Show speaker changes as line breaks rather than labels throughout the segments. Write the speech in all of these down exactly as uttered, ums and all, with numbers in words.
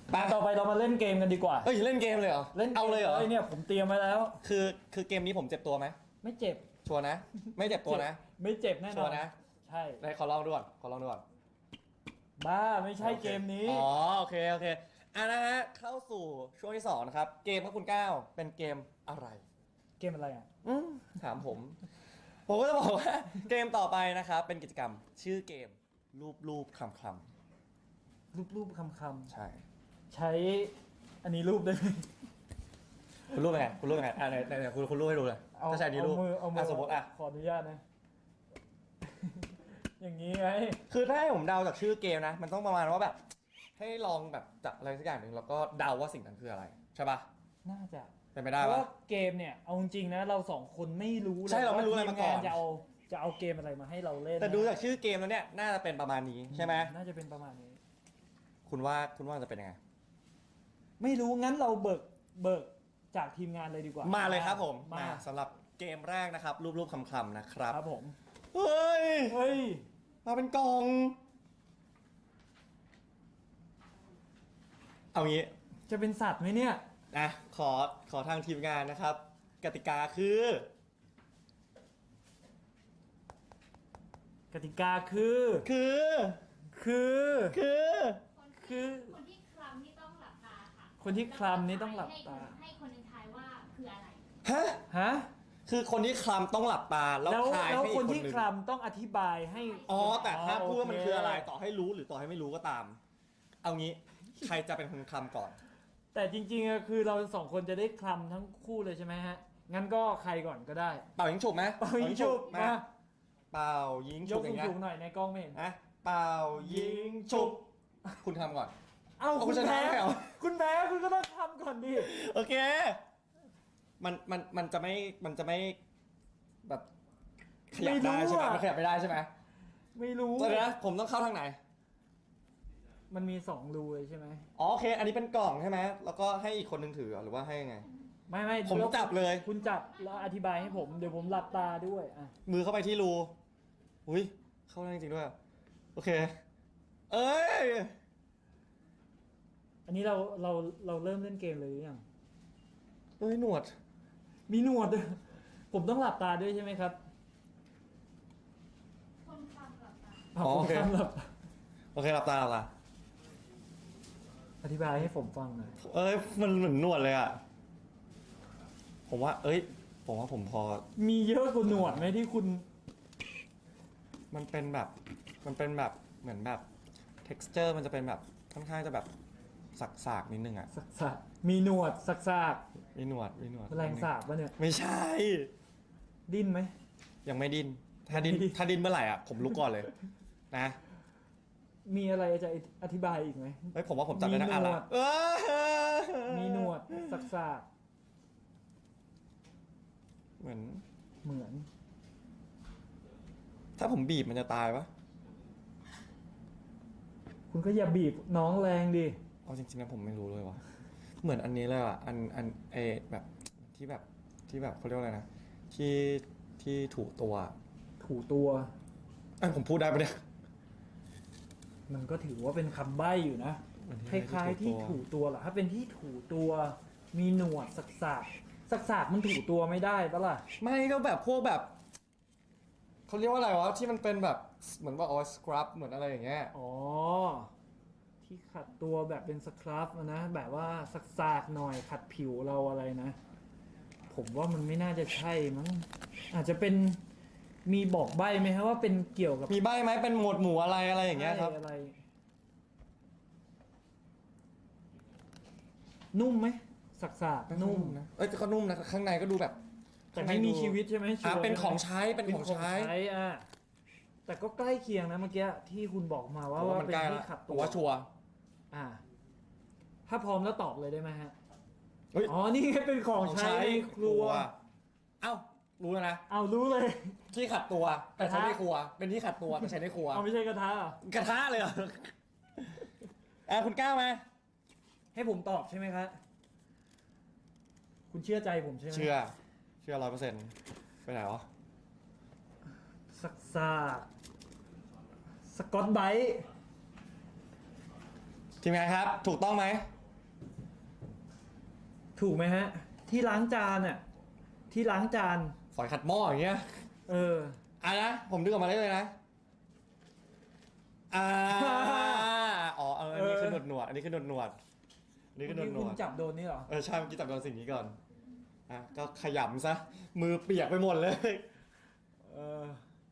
มาต่อไปเรามาเล่นเกมกันดีกว่า
เอ้ยเล่นเกมเลยเหรอ
เล่น
เอาเลยเหรอ
เนี่ยผมเตรียมไว้แล้ว
คือคือเกมนี้ผมเจ็บตัวไหม
ไม่เจ็บ
ชัวร์นะ ไม่เจ็บตัวนะ
ไม่เจ็บแน่น
ชั
อ
วน ร์นะ
ใช่
ได้ขอลองดูก่อนขอลองดูก่อน
บ้าไม่ใช่เกมนี้
อ๋อโอเคโอเคอ่ะนะฮะเข้าสู่ช่วงที่สองนะครับเกมครับคุณก้าวเป็นเกมอะไร
เกมอะไรอ่ะ
อืมถามผม ผมก็จะบอกว่าเกมต่อไปนะครับเป็นกิจกรรมชื่อเกมรูปรูปคำค
รูปรูปคำค
ำใช่
ำใช้อันนี้รูปได้ไหม
คุณรูปเป็นไงคุณรูปเป็นไงอ่ะไหนไหนไหนคุณคุณรูปให้ดูเลย
เอา
ถ้าใช้อันนี้รูป
เอามือเอามื
อ่ะสมมติอ่ะ
ขออนุญาตนะ อย่างนี้ไง
คือถ้าให้ผมเดาจากชื่อเกมนะ มันต้องประมาณว่าแบบ ให้ลองแบบจับอะไรสักอย่างหนึ่งแล้วก็เดาว่าสิ่งนั้นคืออะไร ใช่ปะ
น่าจะ
เป็นไป
เพ
ได้
ราะ
ปะ
ว่าเกมเนี่ยเอาจริงๆนะเราสองคนไม่รู้เลย
ใช่เราไม่รู้อะไรมาก่อน
ว่ทีงจะเอาจะเอาเกมอะไรมาให้เราเล่น
แต่ดูจากชื่อเกมแล้วเนี่ยน่าจะเป็นประมาณนี้ใช่ไหม
น่าจะเป็นประมาณนี้
คุณว่าคุณว่าจะเป็นยังไง
ไม่รู้งั้นเราเบิกเบิกจากทีมงานเลยดีกว่า
มาเลยครับผม
มา
สำหรับเกมแรกนะครับ รูปรูปคำคำๆนะครับ
ครับผม
เฮ้ย
เฮ้ย
มาเป็นกล่อง เอางี้
จะเป็นสัตว์ไหมเนี่ย
นะขอขอทางทีมงานนะครับ กติกาคือ
กติกาคือ
คือ
คือ
คือ
คือ
คนที่คลำนี่ต้องหลับตาค่ะ
คนที่คลำนี่ต้องหลับตา
ให้ให้คนหนึงทายว่าคืออะไร
ฮะ
ฮะ
คือคนที่คลำต้องหลับตาแล้ว
แล้ว
ทาย
แล้ว
ให้อีก
ค
คน นห
ที่
นึ่ง
คลำต้องอธิบายให้
อ๋อแต่ถ้าพูดว่ามัน
โ
คืออะไรต่อให้รู้หรือต่อให้ไม่รู้ก็ตาม เอางี้ใครจะเป็นคนคลำก่อน
แต่จริงๆอะคือเราสองคนจะได้คลำทั้งคู่เลยใช่ไหมฮะ งั้นก็ใครก่อนก็ได้
เป่ายิงฉุบไหม
เป่ายิงฉุบ
มา
มา
เป่ายิง
ย
ฉุ
ก
บอย่างเงี้ย
สูงๆหน่อยในกล้องไม่เห็น
นะเป่ายิงฉุบคุณทำก่อน
เอ้า
เอา
คุณ
คุณชนะ
แพ้
ไม่เหรอ
คุณแพ้คุณก็ต้องคลำก่อนดิ
โอเค มันมันมันจะไม่มันจะไม่แบบขยับได้ใช่ไหมมันขยับไม่ได้ใช่ไหม
ไม่รู้
ตอนนี้นะผมต้องเข้าทางไหน
มันมีสองรูเลยใช่ไหม
อ๋อโอเค อันนี้เป็นกล่องใช่ไหมแล้วก็ให้อีกคนนึงถือหรือว่าให้ยังไง
ไม่ไม่
ผมจับเลย
คุณจับแล้วอธิบายให้ผมเดี๋ยวผมหลับตาด้วยอ่ะ
มือเข้าไปที่รูอุ้ยเข้าได้จริงๆด้วย โอเค เอ้ย
อันนี้เราเราเราเริ่มเล่นเกมเลยหรือยัง
เอ้ยหนวด
มีหนวดด้วยผมต้องหลับตาด้วยใช่ไหมครับ
คนคลำหลับตา
าวผมห้ามหลับตา
โอเคหลับตาหลับตา
อธิบายให้ผมฟังหน่อย
เอ้ยมันเหมือนหนวดเลยอ่ะ ผมว่า เอ้ย ผมว่าผมพอ
มีเยอะกว่าหนวดไหมที่คุณ
มันเป็นแบบ มันเป็นแบบเหมือนแบบ texture มันจะเป็นแบบค่อนข้างจะแบบสากๆนิดนึงอ่ะ
สักสากมีหนวดสักสาก
มีหนวดมีหนวด
แมลงสาบปะเนี่ย
ไม่ใช่
ดิ้นไหม
ยังไม่ดิ้น ถ้าดิ้น
ไม่ดิ้น
ถ้าดิ้นเมื่อไหร่อ่ะ ผมลุกก่อนเลย นะ
มีอะไรจะอธิบายอีกไหม
เฮ้ยผมว่าผมจับได้นะ
มี
อ่ะ
หน
ละ
วด
เออ
มีหนวดสักสาก
เหมือน
เหมือน
ถ้าผมบีบมันจะตายปะ
คุณก็อย่าบีบน้องแรงดิ
เอาจริงๆนะผมไม่รู้เลยว่ะ เหมือนอันนี้เลยอ่ะ อันอันเอแบบที่แบบที่แบบเขาเรียกว่าอะไรนะ ที่ที่ถูตัว
ถูตัว
อันผมพูดได้ปะเนี่ย
มันก็ถือว่าเป็นคำใบ้อยู่นะ
มัน
ค
ที่
ล้ายๆที่
ถูตัว
ถูตัวเหรอถ้าเป็นที่ถูตัว มีหนวดสักสากสักสากมันถูตัวไม่ได้ปะล่ะ
ไม่ก็แบบพวกแบบเขาเรียกว่าอะไรวะที่มันเป็นแบบเหมือนว่าอ๋อสครับเหมือนอะไรอย่างเงี้ย
อ๋อ ที่ขัดตัวแบบเป็นสครับอะนะ แบบว่าสักสากหน่อยขัดผิวเราอะไรนะ ผมว่ามันไม่น่าจะใช่มั้งอาจจะเป็นมีบอกใบ้ไหมครับว่าเป็นเกี่ยวกับ
มีใบไหมเป็นหมวดหมู่อะไรอะไรอย่างเงี้ยครับ
อะไร นุ่มไหมสักสากนุ่ม
นะเอ้ยแต่ก็นุ่มนะข้างในก็ดูแบบ
แต่ไม่มีชีวิตใช่ไหม
อ่ะ
ชัวร์
เป็น
ใช่ไหม
ของใช้เป็นของใช้
อ่ะแต่ก็ใกล้เคียงนะเมื่อกี้ที่คุณบอกมาว่า
ผมว่า
ว่า
มัน
เป็น
ใกล้
ที่
ละ
ขัด
ผ
ตั
ม
ว
ว่าชัวร์
อ่า ถ้าพร้อมแล้วตอบเลยได้ไหมฮะ
เฮ้ย
อ๋อนี่เป็นของใช้ในครัว
เอ้ารู้แล้วนะ
เอารู้เลย
ที่ขัดตัวแต่ใช้
กระทะ
ในครัว เป็นที่ขัดตัวแต่ใช้ในครัว
เอาไม่ใช่กระทะเหรอก
ระทะเลยเหรออ่ะคุณก้าวไหม
ให้ผมตอบใช่ไหมครับคุณเชื่อใจผมใช่ไหม
เชื่อ เชื่อร้อยเปอร์เซ็นต์ไปไหนวะ
สักซากสกอตไบรท์
ทีมงานครับ ถูกต้องไหม
ถูกไหมฮะ ที่ล้างจานอ่ะที่ล้างจาน
ฝอยขัดหม้ออย่างเงี้ย
เออ
อ่ะนะผมดึงออกมาได้เลยนะอ่าอ๋อเอออันนี้คือหนวดหนวดอันนี้คือหนวดหนวดอันนี้คือหนวดหน
คุ
ว
ณ
ด
จับโดนนี่เหรอ
เออใช่เมื่อกี้จับโดนสิ่งนี้ก่อนอ่ะก็ขยำซะมือเปียกไปหมดเลย
เออ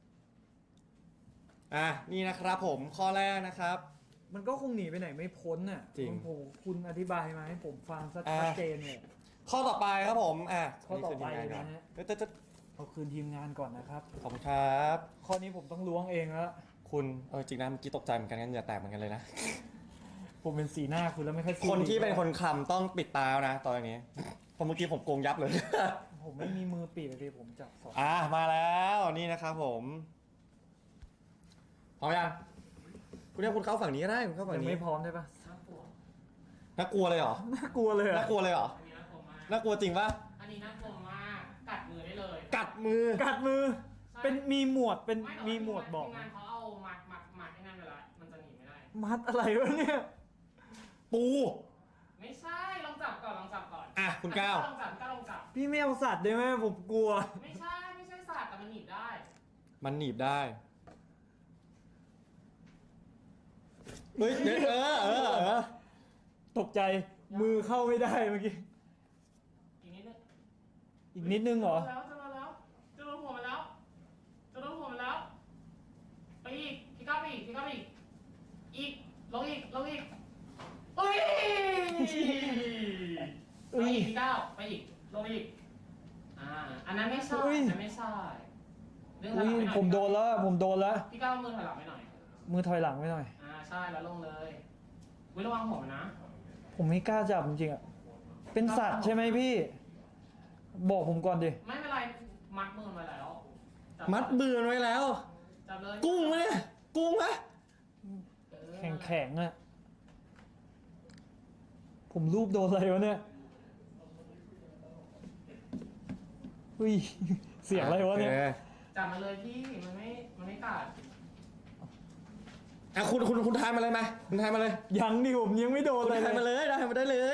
อ่ะนี่นะครับผมข้อแรกนะครับ
มันก็คงหนีไปไหนไม่พ้นน่ะ
จริง
โอ้โหคุณอธิบายมาให้ผมฟังสัก
อ่า
ชัดเจนเลย
ข้อต่อไปครับผมอ่ะ
ข้อต่อไป
นี่คืทีมงานก่อน
นะฮะ
เอ๊ะเอ๊ะเอ๊ะ
เอาคืนทีมงานก่อนนะครับ
ขอบคุณครับ
ข้อนี้ผมต้องล้วงเองแล้ว
คุณเออจริงนะเมื่อกี้ตกใจเหมือนกันงั้นเหงื่อแตกเหมือนกันเลยนะ
ผมเป็นสีหน้าคุณแล้วไม่ค่อยสู้
คนที่
ดี
เป็นคนคลำต้องปิดตานะตอนนี้เพราะเมื่อกี้ผมโกงยับเลย
ผมไม่มีมือปีกเลยผมจับสอง
อ่ะมาแล้วนี่นะครับผมพร้อมยังคุณเนี่ยคุณเข้าฝั่งนี้ก็ได้คุณเข้าฝั่ง
ยัง
นี้
ไม่พร้อมได้ปะ
น่ากลัว
น่ากลัวเลยเหรอ
น่ากลัวเลยอะ
น่ากลัวเลยเหรอ
อันนี้น่ากลัวมาก
น่ากลัวจริงปะ
อันนี้น่ากลัวมากกัดมือได้เลย
กัดมือ
กัดมือ
ใช่
เป็นมีหมวดเป็น
ไแต่
มีหมวดบอก
ทีมงานเขาเอามัดมัดมัดให้นั่นไปละมันจะหนีไม่ได้
มัดอะไรวะเนี่ย
ปู
ไม่ใช่ลองจับก่อนลองจับก่อน
อ่ะคุณก้าว
ลองจับก้าวลองจับ
พี่ไม่เอาสัตว์ได้ไหมผมกลัว
ไม่ใช่ไม่ใช่สัตว์แต่มันหนีบได้
มันหนีบได้เฮ้ยเดี๋ยวเออเออเออ
ตกใจมือเข้าไม่ได้เมื่อกี้
อีกนิดนึง
อีกนิดนึงเหรอ
จะมาแล้วจะโดนหัวมันแล้วจะโดนหัวมันแล้วไปอีกพี่ก้าวไปอีกพี่ก้าวไปอีกอีกลงอีกลงอีกเอ้ยไปอีกพี่ก้าวไปอีกลงอีกอ่าอันนั้นไม่ใช่
อุ้ย
อันนั้นไม่ใช่เรื่องถอย
อุ้
หลัง
ย
ไปหน่อย
ผมโดนแล้วผมโดนแล้ว
พี่ก้าวมือถอยหลังไปหน่อย
มือถอยหลังไว้หน่อย
อ่าใช่แล้วลงเลยวิระวังหัวมันนะ
ผมไม่กล้าจับจริงๆอ่ะเป็นสัตว์ใช่ไหมพี่ บอกผมก่อนดิ
ไม่เป็นไรมัดมือมาแล้วจับ
มัดเบือนไว้แล้ว
จับเลย
กุ้งไหมเนี่ยกุ้งไหม
เออ
แข็งแข็งๆอ่ะผมรูปโดนอะไรวะเนี่ยอุ้ยเสียงอะไรวะเนี่ย
โอค
จับมาเลยพี่มันไม่มันไม่กัด
อ่ะคุณคุณคุณทายมาเลยไหมคุณทายมาเลย
ยังดิผมยังไม่โดน
คุณ
อะไร
ทายมา
เลย
เลยได้มาได้เลย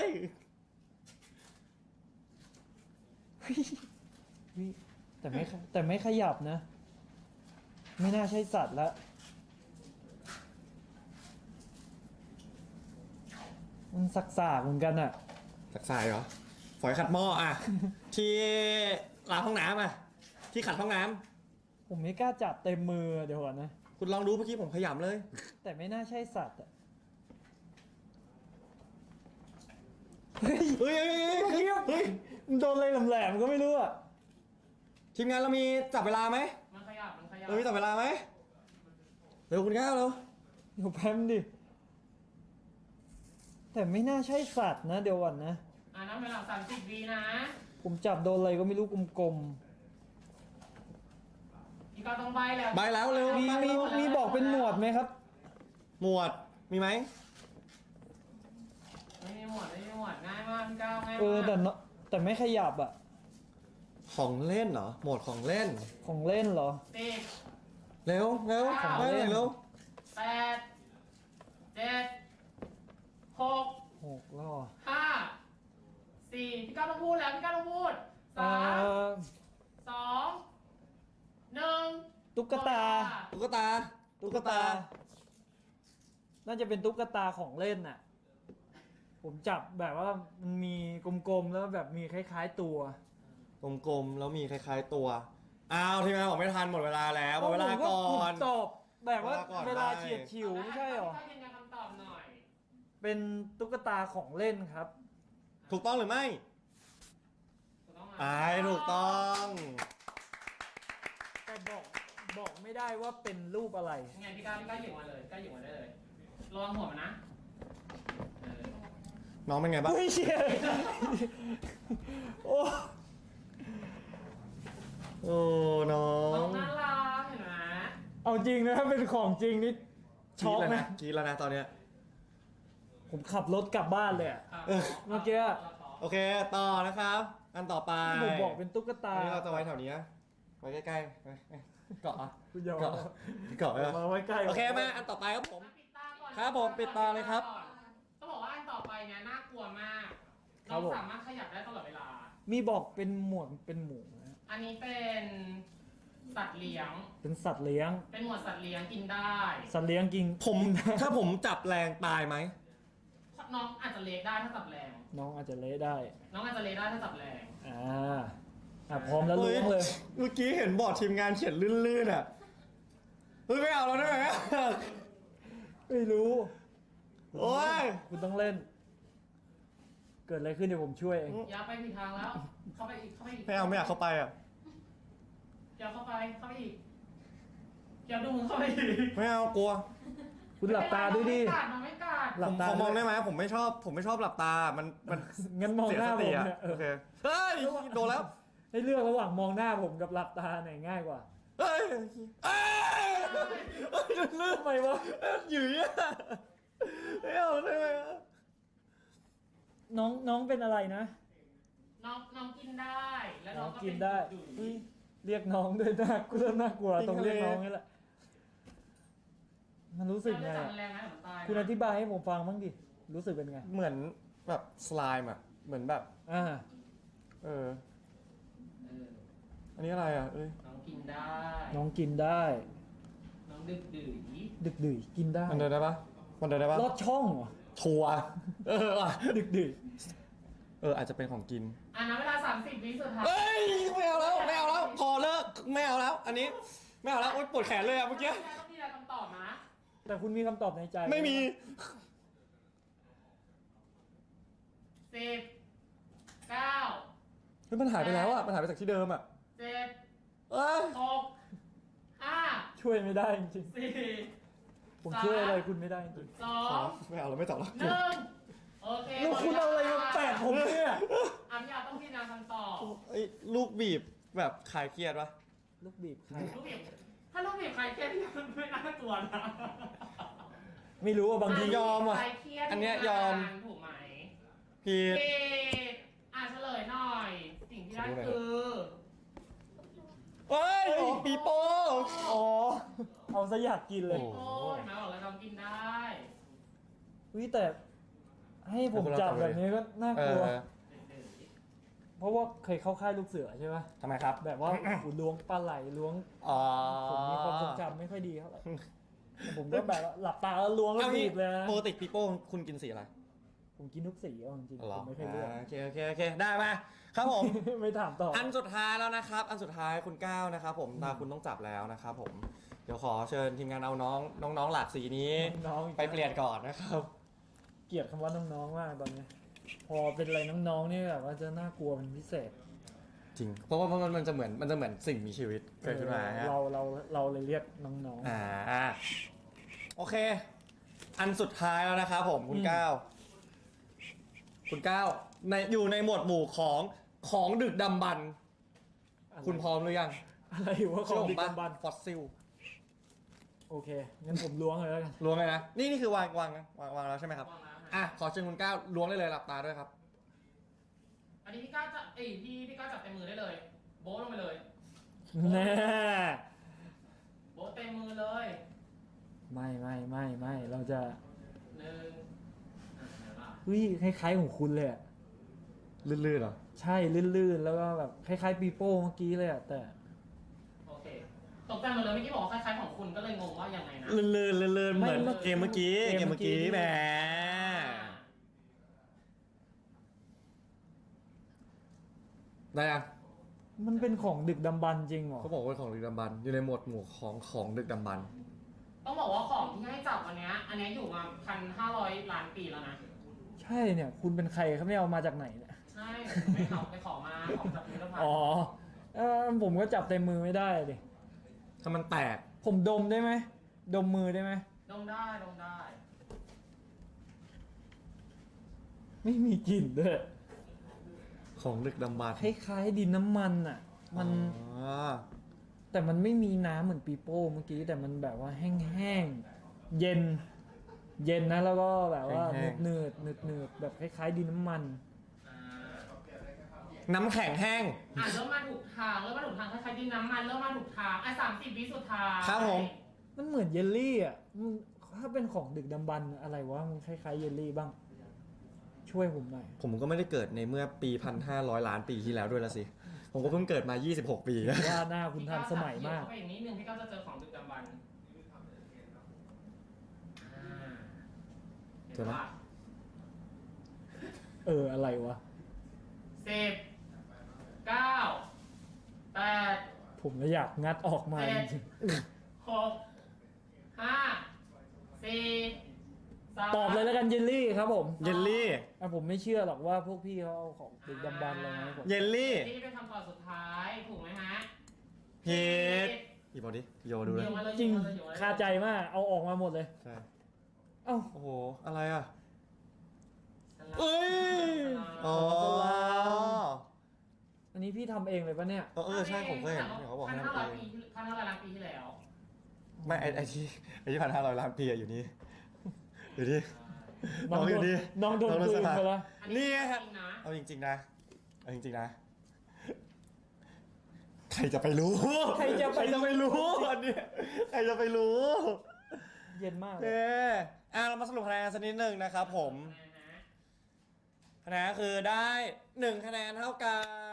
เฮ้ยแต่ไม่แต่ไม่ขยับนะ ไม่น่าใช่สัตว์ละมันสักสากๆเหมือนกันอ่ะ
สักสายเหรอฝอยขัดหม้ออ่ะ ที่ล้างห้องน้ำอ่ะที่ขัดห้องน้ำ
ผมไม่กล้าจับเต็มมือเดี๋ยวก่อนนะ
คุณลองดูเมื่อกี้ผมขยำเลย
แต่ไม่น่าใช่สัตว์อ่ะเฮ้ย
เฮ้ยเฮ้ยเฮ้ยเฮ้ยเฮ้ย
มันโดนอะไรแหลมๆก็ไม่รู้อ่ะ
ทีมงานเรามีจับเวลาไหม
มันขยับมันขยับ
เรามีจับเวลาไหมเร็วคุณก้าวเร็ว
เดี๋ยวแพมดิ แต่ไม่น่าใช่สัตว์นะเดี๋ยวก่อนนะ
อ่านับเวลาสามสิบวินะ
ผมจับโดนอะไรก็ไม่รู้กลม
พี่ก้าวต้องใบแล้ว
ใบแล้วเร็ว
ๆ มี
ใบ
มี
แล้ว
มีบอกเป็นหมวดไหมครับ
หมวดมีไหม
ไม่มีหมวดไม่มีหมวดง่ายมากพี่ก้าวง่ายมาก
เออแต่เนอะแต่ไม่ขยับอ่ะ
ของเล่นเหรอหมวดของเล่น
ของเล่นเหรอ
สิบ
เร็วเร็ว
ของ
ไป
เล่น
เร็ว
แปดเจ็ดหก
หกแล้วเหรอ
ห้าสี่พี่ก้าวต้องพูดแล้วพี่ก้าวต้องพูด
เอ่
สาม
อ
สองหนึ่ง
ตุ๊กตา
ตุ๊กตาตุ๊กตา
น่าจะเป็นตุ๊กตาของเล่นน่ะ ผมจับแบบว่ามันมีกลมๆแล้วแบบมีคล้ายๆตัว
กลมๆแล้วมีคล้ายๆตัวอ้าวทีมงานบอกไม่ทันหมดเวลาแล้วหมดเวลาก่อ
ผม
น
ตอบแบบว่า
เวลาก่อน
เวลา
ได้
เฉียดฉิวไม่ใช่หรอ
ถ้ายืนยันคำตอบหน่อย
เป็นตุ๊กตาของเล่นครับ
ถูกต้องหรือไม่
ถูกต้องไหม
ไอ้ถูกต้อง
แต่บอกบอกไม่ได้ว่าเป็นรูปอะไร
ยังไงพี่ก้าวพี่ก้าวหยิบมาเลยก้าวหยิบมาได้เลยระวังหัวมันนะเออ
น้องเป็นไงบ้าง
ไม่เชียร์โอ้
โอ้น้อ
น้อง งน่ารักเห็นไหม
เอาจริงนะถ้าเป็นของจริงนี่ช็อก
กรี๊ดแล้ว
นะ
กรีดแล้วนะตอนเนี้ย
ผมขับรถกลับบ้านเลยอะ
เออ
เมื่อกี้อะ
โอเคต่อนะครับ อันต่อไป
ผมบอกเป็นตุ๊กตา
อันนี้เราจะไว้แถวนี้นะไว้ใกล้ๆไว้เกาะอ่ะ
คุณยอม
เกาะเกาะ
เอา
อ่ะ
มาไว้ใกล้
โอเคมาอันต่อไปครับผม
ปิดตาก่อน
ครับผมปิดตาเลยครับ
ต้องบอกว่าอันต่อไปเนี่ยน่ากลัวมาก
ครั
น้อบ ง
ผม
สามารถขยับได้ตลอดเวลา
มีบอกเป็นหมวดเป็นหมูนะ
อันนี้เป็นสัตว์เลี้ยง
เป็นสัตว์เลี้ยง
เป็นหมวดสัตว์เลี้ยงกินได้
สัตว์เลี้ยงกิน
ผมถ้าผมจับแรงตายไหม
น้องอาจจะเล็กได้ถ้าจับแรง
น้องอาจจะเละได้
น้องอาจจะเล็กได้ถ้าจับแรง
อ่าอ่ะพร้อมแล้วล้วงเลย
เมื่อกี้เห็นบอร์ดทีมงานเขียนลื่นๆอ่ะเฮ้ยไม่เอาแล้วได้ไหม
ไม่รู้
โอ้ย
คุณต้องเล่น เกิดอะไรขึ้นเดี๋ยวผมช่วยเอง
อย่าไปผิดทางแล้ว เข้าไปอีก เข้าไปอีก
ไม่เอาไม่อยากเข้าไปอ่ะ
อย่าเข้าไป เข้าไปอีกอย่าดูมึงเข้าไปอีก
ไม่เอากลัว
คุณหลับตาด้วยดิ
มันไม่กัดมันไม่กัด
หลั
ผ
บ
ม
ตา
ขอมอง
ด้วย
ได้ไหมผมไม่ชอบ ผมไม่ชอบหลับตา มันมัน
งั้นมอง
เสีย
หน้า
ส
ผ
ติ
ม
อ่ะ
เนี่ยเอ
โอ
อ
เคเฮ้ยโดนแล้ว
ให้เลือกระหว่างมองหน้าผมกับหลับตาไหนง่ายกว่า
เฮ้ยเอ้ยลื่น
ทำไมวะ
หยืยอ่ะไม่เอาได้ไหมอะ
น้องน้องเป็นอะไรนะ
น้องน้องกินได้ แล้ว
น้
น้
อ
อง งก็
กิ
เป็น น
ได้
ดุ
เฮ้ยเรียกน้องด้วยน่ากลัวน่ากลัวต้องเรียกน้องนี่แหละ มันรู้สึกไง
แล้วจะจับ
อะ
แรงไหมเหมือนตายนะ
คุณอธิบายให้ผมฟังบ้างดิ รู้สึกเป็นไง
เหมือนแบบสไลม์อ่ะ เหมือนแบบ
อ่า
เออ
เออ
อันนี้อะไรอ่ะ เอ้ย
น้องกินได้
น้องกินได้
น้องดึกดื่น
ดึกดื่ยกินได้
มันเดินได้ปะมันเดินได้ปะ
ลอดช่องเหรอ
ชัวร์เออว่ะ
ดึกดื่ย
เอออาจจะเป็นของกิน
อ่ะนะเวลาสามสิบวิสุดท้าย
เอ้ยไม่เอาแล้วไม่เอาแล้วพอเลิกไม่เอาแล้ว อันนี้ไม่เอาแล้วโอ๊ยปวดแขนเลยอะเมื่อกี้
ต้องมีอะไรคำตอบนะ
แต่คุณมีคำตอบในใจ
ไม่มี
สิบเก้า
เฮ้ยมันหายไปแล้วอะมันหายไปจากที่เดิมอะ
เจ็ด
เอ้ย
หกห้า
ช่วยไม่ได้จริง
สี่
ๆผมช่วยอะไรคุณไม่ได้จริง
สอ
พอง ไม่เอาแล้วไม่ตอบแล้ว
หนึ่งโอเค
ๆแล้วคุณเอาอะไรมาแปะผมเนี่ย
อันยาต้องพิจารณาคำตอบ
ไอ้ยลูกบีบแบบคลายเครียดปะ
ลูกบีบใคร
ลูกบีบถ้าลูกบีบใครเครียดมันไม่น่ากลัวนะ
ไม่รู้ว่าบางที
ยอมอะ
ใครเครียด
อันเนี้ยยอม
ถูกไหม
ผิด
ผิดอ่ะเฉลยหน่อย สิ่งที่ได้คือ
เอ้ยปีโป้
อ๋อ เอาซะอยากกินเลย
โอ้
โอ้ยมาบอกแล้วน้องกินได้
วิแต่ให้ผมจับแบบนี้ก็น่า
เอก
ลัว
อ
เพราะว่าเคยเข้าค่ายลูกเสือใช่ไหม
ทำไมครับ
แบบว่าหูล้วงปลาไหลล้วง
อ๋อ
ผมมีความทรงจำไม่ค่อยดีเท่าไหร่แต่ผมก็แบบว่าหลับตาแล้วล้วงแล้ว
เอา
บี
งี้
บเลยนะ
ปกติปีโป้คุณกินสีอะไร
ผมกินทุกสีเอาจริง
หร
ๆผ
อ
มไม่เคยเลือก
อ่าโอเคโอเคโอเคได้มาครับผม
ไม่ถามต่อ
อันสุดท้ายแล้วนะครับ อันสุดท้ายคุณก้าวนะครับผมตาคุณต้องจับแล้วนะครับผม เดี๋ยวขอเชิญทีมงานเอาน้องน้องๆหลากสีนี้
น้องๆอีก
ไปเปลี่ยนก่อนนะครับ
เกลียดคำว่าน้องๆมากตอนนี้ พอเป็นอะไรน้องๆนี่แบบว่าจะน่ากลัวเป็นพิเศษ
จริง เพราะว่ามันมันจะเหมือนมันจะเหมือนสิ่งมีชีวิตเกิดขึ้นมาฮะ
เราเราเราเลยเรียกน้อง
อ่าโอเค อันสุดท้ายแล้วนะครับผมคุณ
อืม
ก้าวคุณก้าวในอยู่ในหมวดหมู่ของของดึกดำบรรพ์
ๆ
คุณพร้อมหรือยัง
อะไรวะของดิกดำบัน
ฟอสซิล
โอเค งั้นผมล้วงเลยแล้วกัน
ล้วงเลยนะ นี่นี่คือวางวางวางวางแล้วใช่ไหมครับ
วางแล้วนะ
อ่ะ ขอเชิญคุณก้าวล้วงได้เลยหลับตาด้วยครับ
อันนี้พี่ก้าวจะเอ้ยพี่พี่ก้าวจับเต็มมือได้เลย โบ๊ทลงไปเลย
แน่
โบ๊ทเต็มมือเลย
ไม่ไม่ไม่ไม่เราจะ
หนึ่งอ่ะเห็นปะ
วิคล้ายๆของคุณเลยอะ
ลื่นๆเหรอ
ใช่ลื่นๆ แล้วก็แบบคล้ายๆปีโป้เมื่อกี้เลยอะแต่
โอเคตกใจหมดเลยเมื่อกี้บอกว่าคล้ายๆของคุณก็เลยงงว่ายังไงนะ
ลื่นๆลื่นๆเหมือน
ไม่
เกมเมื่อกี้
เก
เก
ม
ม
เมื่
เมื่
อ
อ
กี้
กี้แหม ได้ยัง
มันเป็นของดึกดำบรรพ์จริงเหรอ
เขาบอกว่าของดึกดำบรรพ์อยู่ในหมวดหมู่ของของดึกดำบรรพ์
ต้องบอกว่าของที่ให้จับอันเนี้ย อันเนี้ยอยู่มาพันห้าร้อยล้านปีแล้วนะ
ใช่เนี่ย คุณเป็นใครครับเนี่ยเอามาจากไหนเนี่ย
ใช่ผมไม่เขาไปขอมาของจากพิพิธภัณฑ์
อ๋อเออผมก็จับเต็มมือไม่ได้ดิ
ถ้ามันแตก
ผมดมได้ไหมดมมือได้ไหม
ดมได้ดมได้
ไม่มีกลิ่นด้วย
ของดึกดำบรรพ์
คล้ายๆดินน้ำมันอ่ะ มัน
อ๋อ
แต่มันไม่มีน้ำเหมือนปีโป้เมื่อกี้แต่มันแบบว่าแห้งๆเย็น เย็นนะแล้วก็แบบว่าเนืดเนืดเนืดๆแบบคล้ายๆดินน้ำมัน
อ่า
น้ำแข็งแห้ง
อ่ะเริ่มมาถูกทางเริ่มมาถูกทางคล้ายๆดินน้ำมันเริ่มมาถูกทางอ่ะสามสิบวิสุดท้าย
ครับผม
มันเหมือนเยลลี่อ่ะมันถ้าเป็นของดึกดำบรรพ์อะไรวะมันคล้ายๆเยลลี่บ้าง ชช่วยผมหน่อย
ผมก็ไม่ได้เกิดในเมื่อปีพันห้าร้อยล้านปีที่แล้วด้วยละสิ ผมก็เพิ่งเกิดมา ยี่สิบหก ปี
ว่าหน้าคุณทันสมัยมาก
พี่ก้วจับเขียวเข้าไปอีกนิดนึงพี่ก้าวจะเจอของดึกดำบรรพ์อ่าเห็นว่า
เอออะไรวะ
สิบเก้าแปด
ผมเลยอยากงัดออกมาจริง
หกห้าสี่สาม
ๆตอบเลยแล้วกันเยลลี่ครับผม
เยลลี่
อ่ะผมไม่เชื่อหรอกว่าพวกพี่เขาเอาของดึกดำบรรพ์อะไรมาให้ผม
เยลลี่
นี่เป็นคำตอบสุดท้ายถูกไหมฮะ
ผิดหยิบเอาดิโยดูเลย
เดี๋ยวมาเลย
จริง
เดี๋ยวมาเลยเดี๋ยวมาเลย
คาใจมากเอาออกมาหมดเลย
ใช่
เอ้า
โอ้โห อะไรอ่ะ
สลับ
เอ้ย อ๋อ
สลาม อันนี้พี่ทำเองเลยปะเนี่ย
เออเออใช่ผมเคยเห็นเขาบอกให้
พัน
ทำ
ห้าร้อย
เอ
ปี
ง
พันห้าร้อยล้านปีที่แล้ว
ไม่ไอไอที่ไอที่พันห้าร้อยล้านปีอะอยู่นี่ อยู่นี่
น้อง
น้องอ
โด
ยู่
น
นี่
น้องโดน
น้องโดน
กลื
ส
น
ลับ
ไปแล้ว
อั
นี่ไงฮะ
จริงนะ
เอาจริงๆนะเอาจริงๆนะ ใครจะไปรู้
ใครจะไป
ใครจะไปรู้อันเนี้ยใครจะไปรู้
เย็นมาก
โอ
เล
เค
ย
อ่ะเรามาสรุปคะแนนสักนิดหนึ่งนะครับผม
นะฮะ
คะแนนคือได้หนึ่งคะแนนเท่ากัน